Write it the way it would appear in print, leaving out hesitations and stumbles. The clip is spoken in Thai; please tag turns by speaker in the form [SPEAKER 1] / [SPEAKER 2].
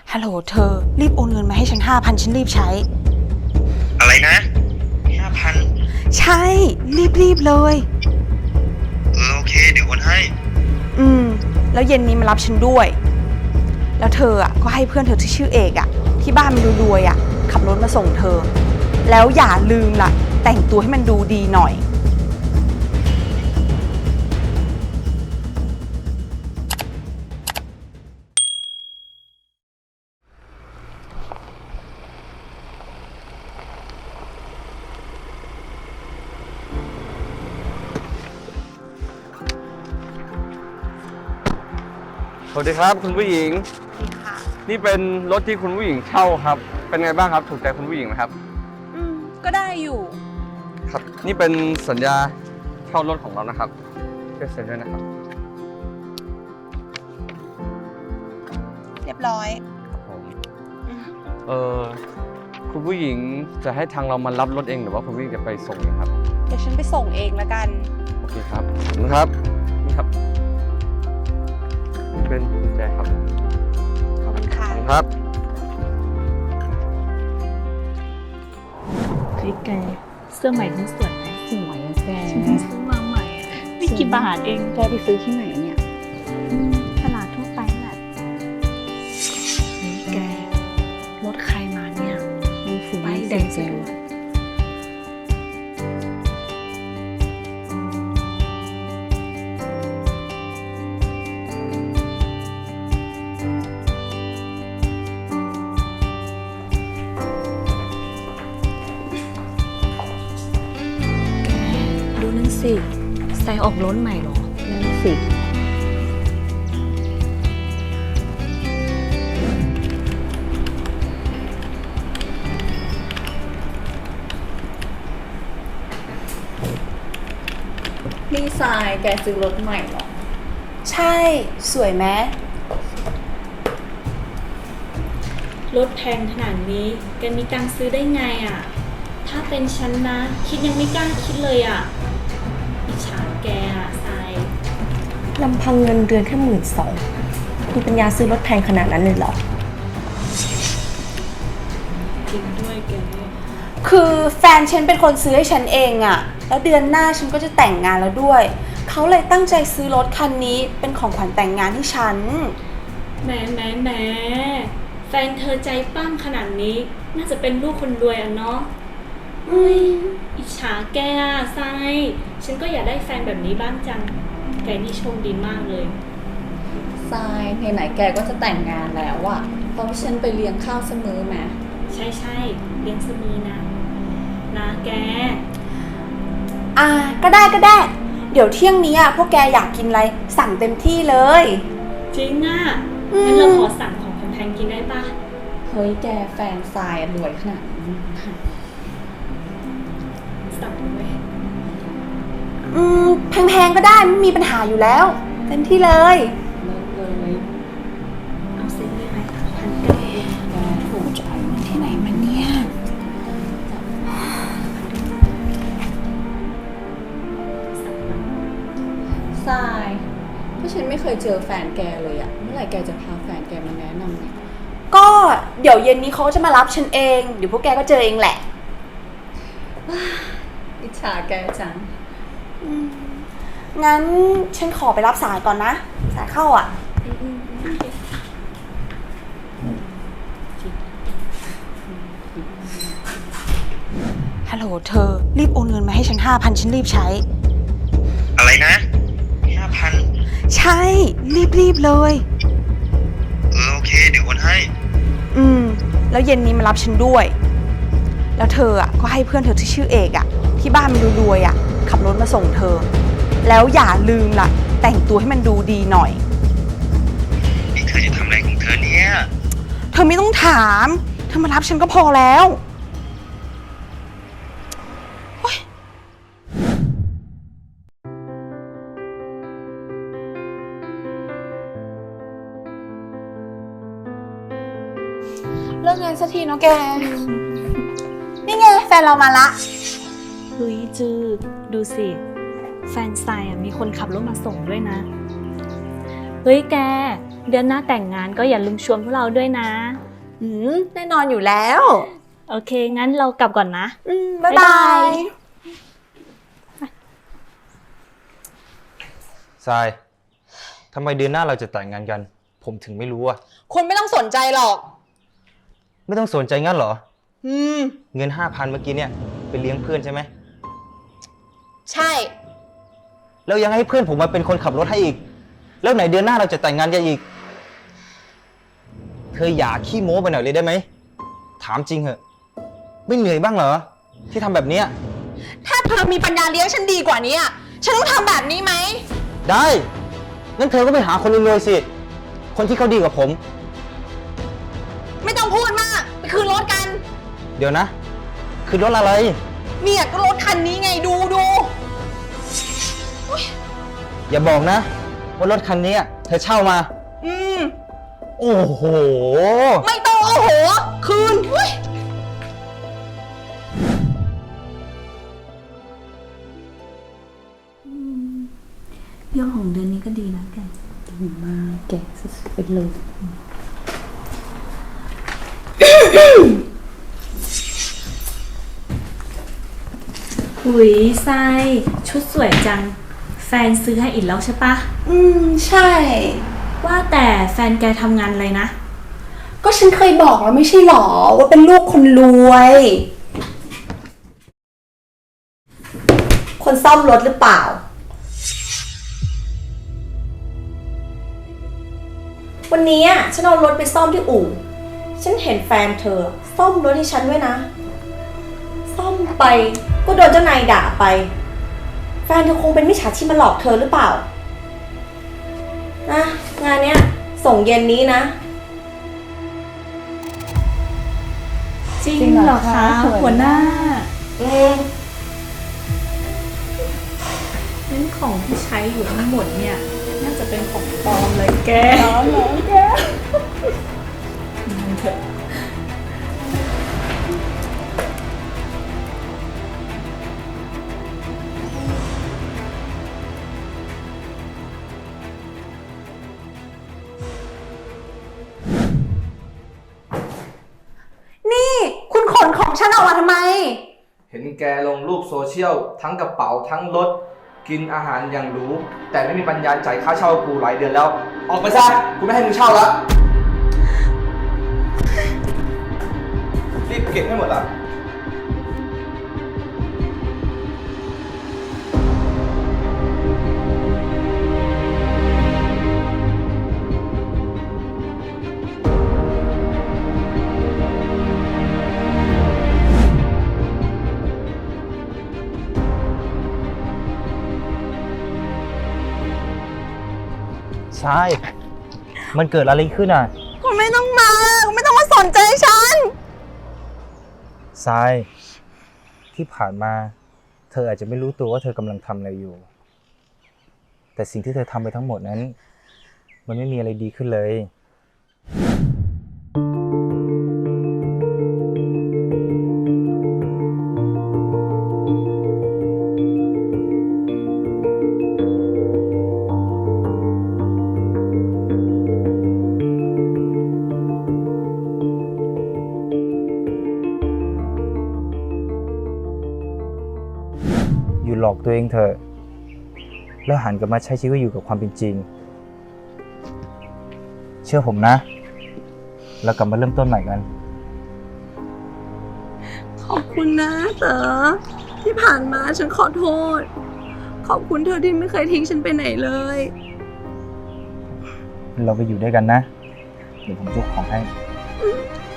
[SPEAKER 1] ฮัลโหลเธอรีบโอนเงินมาให้ฉัน5,000ฉันรีบใช้
[SPEAKER 2] อะไรนะ5,000
[SPEAKER 1] ใช่รีบเลย
[SPEAKER 2] โอเคเดี๋ยวโอนให้
[SPEAKER 1] แล้วเย็นนี้มารับฉันด้วยแล้วเธอก็ให้เพื่อนเธอที่ชื่อเอกที่บ้านมันรวยขับรถมาส่งเธอแล้วอย่าลืมล่ะแต่งตัวให้มันดูดีหน่อย
[SPEAKER 3] สวัสดีครับคุณผู้หญิงนี่เป็นรถที่คุณผู้หญิงเช่าครับเป็นไงบ้างครับถูกใจคุณผู้หญิงไหมครับ
[SPEAKER 1] ก็ได้อยู่
[SPEAKER 3] ครับนี่เป็นสัญญาเช่ารถของเรานะครับช่วยเซ็นด้วยนะครับ
[SPEAKER 1] เรียบร้อย
[SPEAKER 3] ครับผมคุณผู้หญิงจะให้ทางเรามารับรถเองหรือว่าคุณผู้หญิงจะไปส่งเองครับ
[SPEAKER 1] เดี๋ยวฉันไปส่งเองละกัน
[SPEAKER 3] โอเคครับขอบคุณครับนี่ครับนี่เป็นกุญแจครับ
[SPEAKER 1] ขอบคุณค่ะ
[SPEAKER 3] ครับ
[SPEAKER 4] เฮ้ยแกเสื้อใหม่ทั้งสวยไหมสวยอะแกฉันซื้อมาใหม่อะไม่กี่บาทเองแกไปซื้อที่ไหนเนี่ยตลาดทั่วไปแหละเฮ้ยแกรถใครมาเนี่ยดูสีแดงเซลสิใส่ออกล้นใหม่หรอนั่นสินี่ทรายแกซื้อรถใหม่หรอ
[SPEAKER 1] ใช่สวยไหม
[SPEAKER 4] รถแพงขนาดนี้แกมีตังค์ซื้อได้ไงอ่ะถ้าเป็นฉันนะคิดยังไม่กล้าคิดเลยอ่ะอิจฉาแกอ่ะทราย
[SPEAKER 5] ลำพังเงินเดือนแค่12,000มีปัญญาซื้อรถแพงขนาดนั้นเลยเหรอ
[SPEAKER 4] จริงด้วยแก
[SPEAKER 1] คือแฟนฉันเป็นคนซื้อให้ฉันเองแล้วเดือนหน้าฉันก็จะแต่งงานแล้วด้วยเขาเลยตั้งใจซื้อรถคันนี้เป็นของขวัญแต่งงานให้ฉัน
[SPEAKER 4] แหมแฟนเธอใจปั้มขนาดนี้น่าจะเป็นลูกคนรวยเนาะอิจฉาแกทรายฉันก็อยากได้แฟนแบบนี้บ้างจังแกนี่โชคดีมากเลย
[SPEAKER 5] ทรายไหนๆแกก็จะแต่งงานแล้วเพราะฉันไปเลี้ยงข้าวเสมอไหม
[SPEAKER 4] ใช่เลี้ยงเสมอนะแก
[SPEAKER 1] ก็ได้เดี๋ยวเที่ยงนี้พวกแกอยากกินอะไรสั่งเต็มที่เลย
[SPEAKER 4] จริงงั้นเราขอสั่งของแพงๆกินได้ปะ
[SPEAKER 5] เฮ้ยแกแฟนทรายรวยขนาดนี้
[SPEAKER 4] สั่งไหม
[SPEAKER 1] แพงๆก็ได้ไม่มีปัญหาอยู่แล้วเต็มที่เลย
[SPEAKER 4] เอาเซ็นได้ไหม1,900เอง
[SPEAKER 1] ถูกจ่ายเงินที่ไหนมาเนี่ย
[SPEAKER 5] ทรายเพราะฉันไม่เคยเจอแฟนแกเลยเมื่อไหร่แกจะพาแฟนแกมาแนะนำเนี่ย
[SPEAKER 1] ก็เดี๋ยวเย็นนี้เขาจะมารับฉันเองเดี๋ยวพวกแกก็เจอเองแหละ
[SPEAKER 5] อิจฉาแกจัง
[SPEAKER 1] งั้นฉันขอไปรับสายก่อนนะสายเข้าฮัลโหลเธอรีบโอนเงินมาให้ฉัน5,000ฉันรีบใช้
[SPEAKER 2] อะไรนะ5,000
[SPEAKER 1] ใช่รีบเลย
[SPEAKER 2] โอเคเดี๋ยวโอนให้
[SPEAKER 1] แล้วเย็นนี้มารับฉันด้วยแล้วเธอก็ให้เพื่อนเธอที่ชื่อเอกที่บ้านมันรวยขับรถมาส่งเธอแล้วอย่าลืมล่ะแต่งตัวให้มันดูดีหน่อย
[SPEAKER 2] นี่เธอจะทำอะไรของเธอเนี่ย
[SPEAKER 1] เธอไม่ต้องถามเธอมารับฉันก็พอแล้วเลิกงานสักทีเนาะแกนี่ไงแฟนเรามาละ
[SPEAKER 4] เฮ้ยจืดดูสิแฟนทรายมีคนขับรถมาส่งด้วยนะเฮ้ยแกเดือนหน้าแต่งงานก็อย่าลืมชวนพวกเราด้วยนะ
[SPEAKER 1] แน่นอนอยู่แล้ว
[SPEAKER 4] โอเค งั้นเรากลับก่อนนะ
[SPEAKER 1] บ๊ายบาย
[SPEAKER 6] ทราย ทำไมเดือนหน้าเราจะแต่งงานกัน ผมถึงไม่รู้อะ
[SPEAKER 1] คุณไม่ต้องสนใจหรอก
[SPEAKER 6] ไม่ต้องสนใจงั้นเหรอ
[SPEAKER 1] ม
[SPEAKER 6] เงิน 5,000 เมื่อกี้เนี่ยไปเลี้ยงเพื่อนใช่ไหม
[SPEAKER 1] ใช่
[SPEAKER 6] แล้วยังให้เพื่อนผมมาเป็นคนขับรถให้อีก แล้วไหนเดือนหน้าเราจะแต่งงานกันอีก เธออย่าขี้โม้ไปหน่อยเลยได้ไหม ถามจริงเหอะ ไม่เหนื่อยบ้างเหรอ ที่ทำแบบเนี้ย
[SPEAKER 1] ถ้าเธอมีปัญญาเลี้ยงฉันดีกว่านี้อะฉันต้องทำแบบนี้ไหม
[SPEAKER 6] ได้ งั้นเธอก็ไปหาคนรวยๆสิ คนที่เขาดีกว่าผม
[SPEAKER 1] ไม่ต้องพูดมาก ไปคืนรถกัน
[SPEAKER 6] เดี๋ยวนะ คือรถอะไร
[SPEAKER 1] เนี่ยก็รถคันนี้ไงดู
[SPEAKER 6] อย่าบอกนะ ว่ารถคันนี้เธอเช่ามา
[SPEAKER 1] อืม
[SPEAKER 6] โอ้โห
[SPEAKER 1] ไม่ต้องโอ้โห คืนเฮ้ย
[SPEAKER 4] เรื่องของเดือนนี้ก็ดีนะแกดีมากแกสุดๆไปเลย หุยทรายชุดสวยจัง แฟนซื้อให้อีกแล้วใช่ปะ
[SPEAKER 5] ใช่
[SPEAKER 4] ว่าแต่แฟนแกทำงานอะไรนะ
[SPEAKER 5] ก็ฉันเคยบอกแล้วไม่ใช่หรอว่าเป็นลูกคนรวย คนซ่อมรถหรือเปล่า วันนี้ฉันเอารถไปซ่อมที่อู่ ฉันเห็นแฟนเธอซ่อมรถให้ฉันด้วยนะ ซ่อมไปก็โดนเจ้านายด่าไป แฟนเธอคงเป็นมิจฉาชีพมาหลอกเธอหรือเปล่านะงานเนี้ยส่งเย็นนี้นะ
[SPEAKER 4] จริงเหรอคะหัวหน้างั้นของที่ใช้อยู่ทั้งหมดเนี่ย น่าจะเป็นของปลอมเลยแกนั่นเถอะ
[SPEAKER 1] นี่คุณขนของฉันออกมาทำไม
[SPEAKER 3] เห็นแกลงรูปโซเชียลทั้งกระเป๋าทั้งรถ กินอาหารอย่างหรูแต่ไม่มีปัญญาจ่ายค่าเช่ากูหลายเดือนแล้ว ออกไปซะกูไม่ให้มึงเช่าแล้วรีบเก็บให้หมดอ่ะ
[SPEAKER 6] ใช่ มันเกิดอะไรขึ้นอ่ะ
[SPEAKER 1] คุณไม่ต้องมาคุณไม่ต้องมาสนใจฉัน
[SPEAKER 6] ทราย ที่ผ่านมา เธออาจจะไม่รู้ตัวว่าเธอกำลังทำอะไรอยู่ แต่สิ่งที่เธอทำไปทั้งหมดนั้น มันไม่มีอะไรดีขึ้นเลย อยู่หลอกตัวเองเถอะ แล้วหันกลับมาใช้ชีวิตอยู่กับความเป็นจริง เชื่อผมนะ แล้วกลับมาเริ่มต้นใหม่กัน
[SPEAKER 1] ขอบคุณนะเต๋อที่ผ่านมาฉันขอโทษ ขอบคุณเธอที่ไม่เคยทิ้งฉันไปไหนเลย
[SPEAKER 6] เราไปอยู่ด้วยกันนะ เดี๋ยวผมยกของให้
[SPEAKER 1] ข